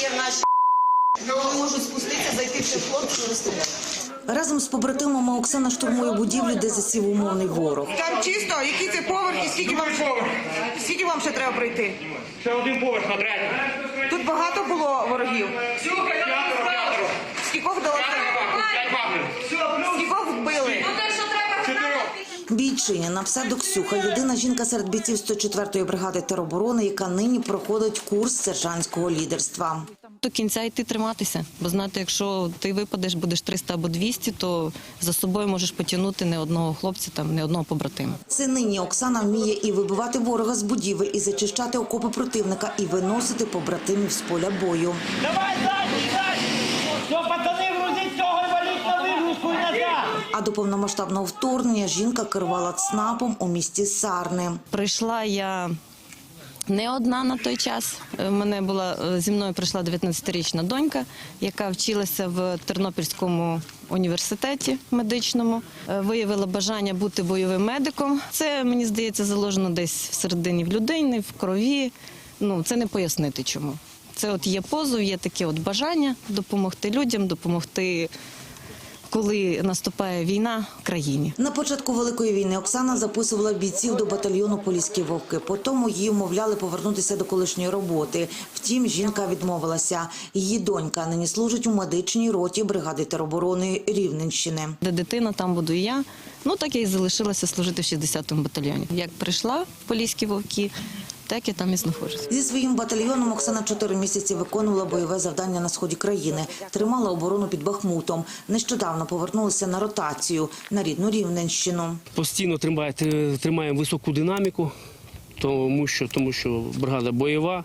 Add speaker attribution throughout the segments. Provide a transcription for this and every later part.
Speaker 1: є в нашій вони можуть спуститися, зайти в цей хлопців і розстріляти.
Speaker 2: Разом з побратимами Оксана штурмує будівлю, де засів умовний ворог.
Speaker 1: Там чисто, які це поверхи, скільки вам ще треба пройти?
Speaker 3: Ще один поверх на третій.
Speaker 1: Тут багато було ворогів. Скількох вдалося? Скількох вбили?
Speaker 2: Бійчиня на псевдо Ксюха – єдина жінка серед бійців 104-ї бригади тероборони, яка нині проходить курс сержантського лідерства.
Speaker 4: До кінця йти триматися, бо знати, якщо ти випадеш, будеш 300 або 200, то за собою можеш потягнути не одного хлопця, там, не одного побратима.
Speaker 2: Це нині Оксана вміє і вибивати ворога з будівель, і зачищати окопи противника, і виносити побратимів з поля бою.
Speaker 3: Давай, далі! Все, пацани, грузіть цього і валіть на вигрузку і назад!
Speaker 2: А до повномасштабного вторгнення жінка керувала ЦНАПом у місті Сарни.
Speaker 4: Прийшла я не одна на той час. Зі мною прийшла 19-річна донька, яка вчилася в Тернопільському університеті медичному. Виявила бажання бути бойовим медиком. Це, мені здається, заложено десь всередині в людині, в крові. Це не пояснити чому. Це от є позов, є таке от бажання допомогти людям, допомогти, коли наступає війна в країні.
Speaker 2: На початку Великої війни Оксана записувала бійців до батальйону «Поліські вовки». Потім її вмовляли повернутися до колишньої роботи. Втім, жінка відмовилася. Її донька нині служить у медичній роті бригади тероборони Рівненщини.
Speaker 4: Де дитина, там буду і я. Так я і залишилася служити в 60-му батальйоні. Як прийшла в «Поліські вовки», так я там і знаходжусь.
Speaker 2: Зі своїм батальйоном Оксана 4 місяці виконувала бойове завдання на сході країни. Тримала оборону під Бахмутом. Нещодавно повернулася на ротацію на рідну Рівненщину.
Speaker 5: Постійно тримаємо високу динаміку, тому що бригада бойова.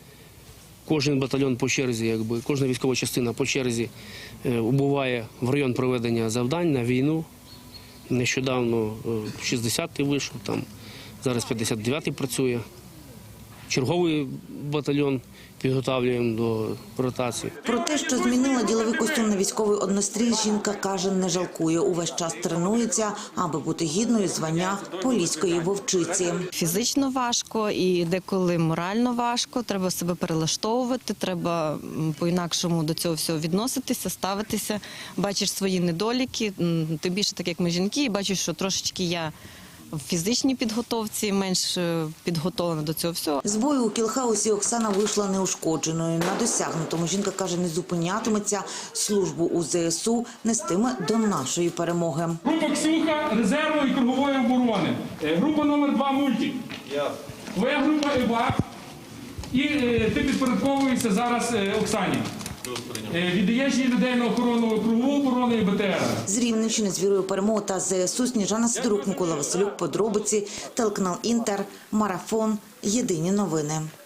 Speaker 5: Кожен батальйон по черзі, кожна військова частина по черзі убуває в район проведення завдань на війну. Нещодавно 60-й вийшов, зараз 59-й працює. Черговий батальйон підготовлюємо до ротації.
Speaker 2: Про те, що змінила діловий костюм на військовий однострій, жінка каже, не жалкує. Увесь час тренується, аби бути гідною звання поліської вовчиці.
Speaker 4: Фізично важко і деколи морально важко. Треба себе перелаштовувати, треба по-інакшому до цього всього відноситися, ставитися. Бачиш свої недоліки, ти більше так, як ми жінки, і бачиш, що трошечки я в фізичній підготовці, менш підготовлена до цього всього.
Speaker 2: З бою у Кілхаусі Оксана вийшла неушкодженою. На досягнутому жінка каже, не зупинятиметься, службу у ЗСУ нестиме до нашої перемоги.
Speaker 6: Група Ксюха резервної і кругової оборони. Група номер 2 «Мультик». Твоя група «Івак». І ти підпорядковуєшся зараз Оксані. Віддаєш її людей на охорону кругову оборону і БТР.
Speaker 2: З Рівненщини з вірою перемоги та ЗСУ Сніжана Сидорук, Микола Василюк, подробиці, телеканал Інтер, Марафон, Єдині новини.